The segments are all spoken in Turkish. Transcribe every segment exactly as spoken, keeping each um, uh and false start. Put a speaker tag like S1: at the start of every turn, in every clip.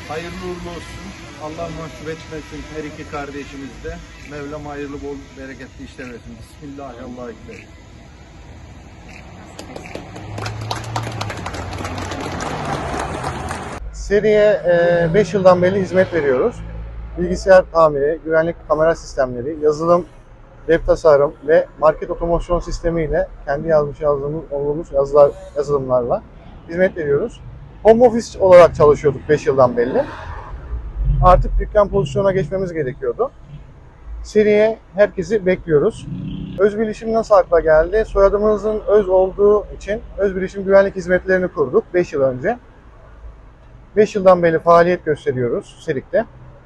S1: Hayırlı uğurlu olsun. Allah mahcup etmesin her iki kardeşimiz de. Mevlam hayırlı bol bereketli işler versin. Bismillahirrahmanirrahim.
S2: Seriye beş yıldan beri hizmet veriyoruz. Bilgisayar tamiri, güvenlik kamera sistemleri, yazılım, web tasarım ve market otomasyon sistemi ile kendi yazmış yazdığımız olduğumuz yazılar, yazılımlarla hizmet veriyoruz. Home office olarak çalışıyorduk beş yıldan beri. Artık dükkan pozisyona geçmemiz gerekiyordu. Seriye herkesi bekliyoruz. Özbilişim nasıl akla geldi? Soyadımızın Öz olduğu için Özbilişim güvenlik hizmetlerini kurduk beş yıl önce. beş yıldan beri faaliyet gösteriyoruz Serik'te.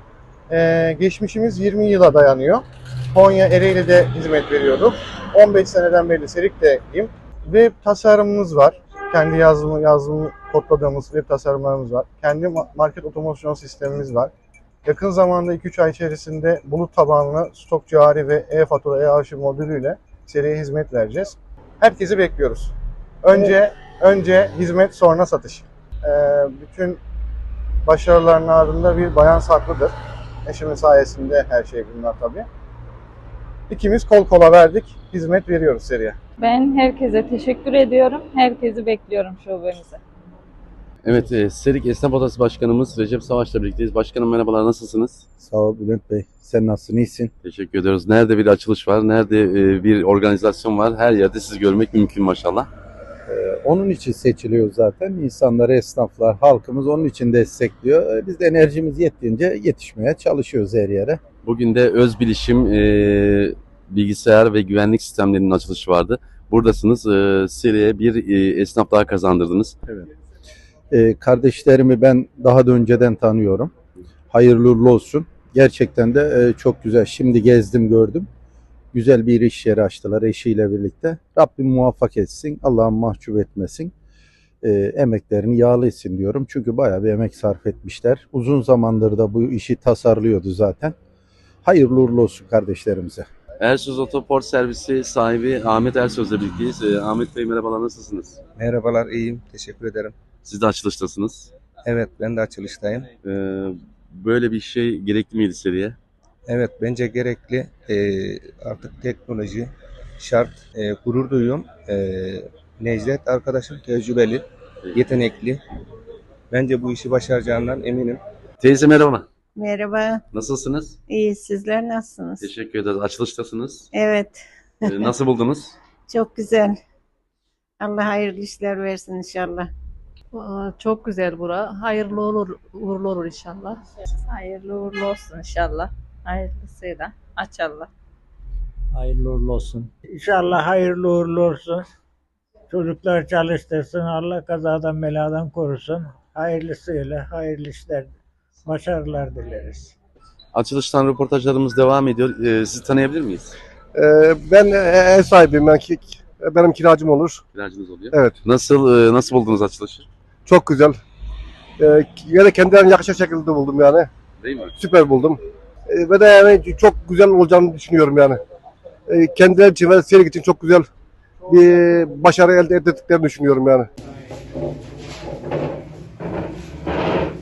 S2: Ee, geçmişimiz yirmi yıla dayanıyor. Konya Ereğli'de hizmet veriyorduk. on beş seneden beri Serik'teyim. Web tasarımımız var. Kendi yazılımı, yazılımı kodladığımız web tasarımlarımız var. Kendi market otomasyon sistemimiz var. Yakın zamanda iki üç ay içerisinde bulut tabanlı stok cari ve e-fatura, e-arşiv modülüyle seriye hizmet vereceğiz. Herkesi bekliyoruz. Önce evet. önce hizmet, sonra satış. Ee, bütün başarıların ardında bir bayan saklıdır. Eşimin sayesinde her şey bunlar tabii. İkimiz kol kola verdik, hizmet veriyoruz seriye.
S3: Ben herkese teşekkür ediyorum. Herkesi bekliyorum şubemize.
S4: Evet, e, Serik Esnaf Odası Başkanımız Recep Savaş'la birlikteyiz. Başkanım merhabalar, nasılsınız?
S5: Sağ ol Bülent Bey. Sen nasılsın? İyisin?
S4: Teşekkür ediyoruz. Nerede bir açılış var, nerede e, bir organizasyon var, her yerde sizi görmek mümkün maşallah.
S5: Ee, onun için seçiliyor zaten. İnsanları, esnaflar, halkımız onun için destekliyor. Ee, biz de enerjimiz yettiğince yetişmeye çalışıyoruz her yere.
S4: Bugün de Özbilişim e, bilgisayar ve güvenlik sistemlerinin açılışı vardı. Buradasınız, e, Serik'e bir e, esnaf daha kazandırdınız.
S5: Evet. Ee, kardeşlerimi ben daha da önceden tanıyorum. Hayırlı uğurlu olsun. Gerçekten de e, çok güzel. Şimdi gezdim, gördüm. Güzel bir iş yeri açtılar eşiyle birlikte. Rabbim muvaffak etsin, Allah'ım mahcup etmesin. E, emeklerini yağlı etsin diyorum. Çünkü bayağı bir emek sarf etmişler. Uzun zamandır da bu işi tasarlıyordu zaten. Hayırlı uğurlu olsun kardeşlerimize.
S4: Ersöz Otoport Servisi sahibi Ahmet Ersöz'le birlikteyiz. E, Ahmet Bey merhabalar, nasılsınız?
S6: Merhabalar, iyiyim. Teşekkür ederim.
S4: Siz de açılıştasınız.
S6: Evet, ben de açılıştayım.
S4: E, böyle bir şey gerekli miydi seriye?
S6: Evet, bence gerekli. Ee, artık teknoloji şart. Ee, gurur duyuyorum. Ee, Necdet arkadaşım tecrübeli, yetenekli. Bence bu işi başaracağından eminim.
S4: Teyze merhaba.
S7: Merhaba,
S4: Nasılsınız?
S7: iyi. Sizler nasılsınız?
S4: Teşekkür ederiz. Açılıştasınız.
S7: Evet,
S4: E, nasıl buldunuz?
S7: çok güzel. Allah hayırlı işler versin inşallah.
S3: Aa, çok güzel bura. Hayırlı olur, uğurlu olur inşallah.
S8: Hayırlı uğurlu olsun inşallah. Hayırlısıyla. Aç Allah.
S9: Hayırlı uğurlu olsun. İnşallah hayırlı uğurlu olsun. Çocuklar çalıştırsın. Allah kazadan beladan korusun. Hayırlısıyla hayırlı işler, başarılar dileriz.
S4: Açılıştan röportajlarımız devam ediyor. Ee, sizi tanıyabilir miyiz?
S10: Ee, ben ev sahibiyim. Ben, benim kiracım olur.
S4: Kiracınız oluyor.
S10: Evet.
S4: Nasıl e, nasıl buldunuz açılışı?
S10: Çok güzel. Ee, yine kendilerine yakışır şekilde buldum yani.
S4: Değil mi?
S10: Süper buldum. Ee, ve de yani çok güzel olacağını düşünüyorum yani. Ee, kendileri için ve Serik için çok güzel bir başarı elde ettiklerini düşünüyorum yani.